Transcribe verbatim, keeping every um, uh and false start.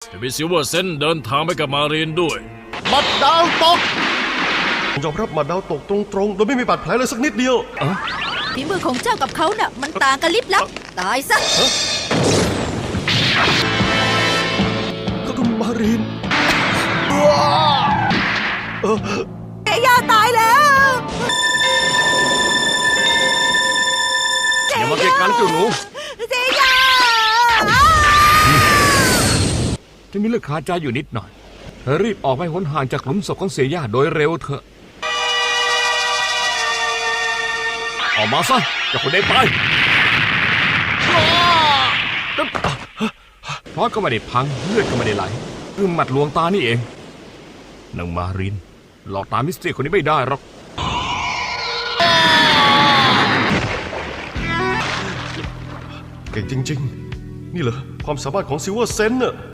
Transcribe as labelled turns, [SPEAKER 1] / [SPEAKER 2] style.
[SPEAKER 1] จะมีซิลเวอร์เซนเดินทางไปกับมารีนด้วย
[SPEAKER 2] บัดดาวตกยอมรับบัดดาวตกตรงๆโดยไม่มีบาดแผลเลยสักนิดเดียว
[SPEAKER 3] ฝีมือของเจ้ากับเขาน่ะมันต่างกันลิบลับตายซะ
[SPEAKER 2] ก็คุณมารีนเออ
[SPEAKER 3] เซย่าตายแล้ว
[SPEAKER 4] อย่ามาเกะกันเจ้าหนู
[SPEAKER 3] เซย่า
[SPEAKER 4] จะมีเรื่องคาใจอยู่นิดหน่อยเธอรีบออกไปหนห่างจากหลุมศพของเสียย่าโดยเร็วเถอะออกมาซะเจ้าคนได้ไปเพราะก็ไม่ได้พังเลือดก็ไม่ได้ไหลคือหมัดลวงตานี่เองนางมารินหลอกตามิสเตอร์คนนี้ไม่ได้หรอก
[SPEAKER 2] เก่งจริงๆนี่เหรอความสามารถของซิลเวอร์เซนน่ะ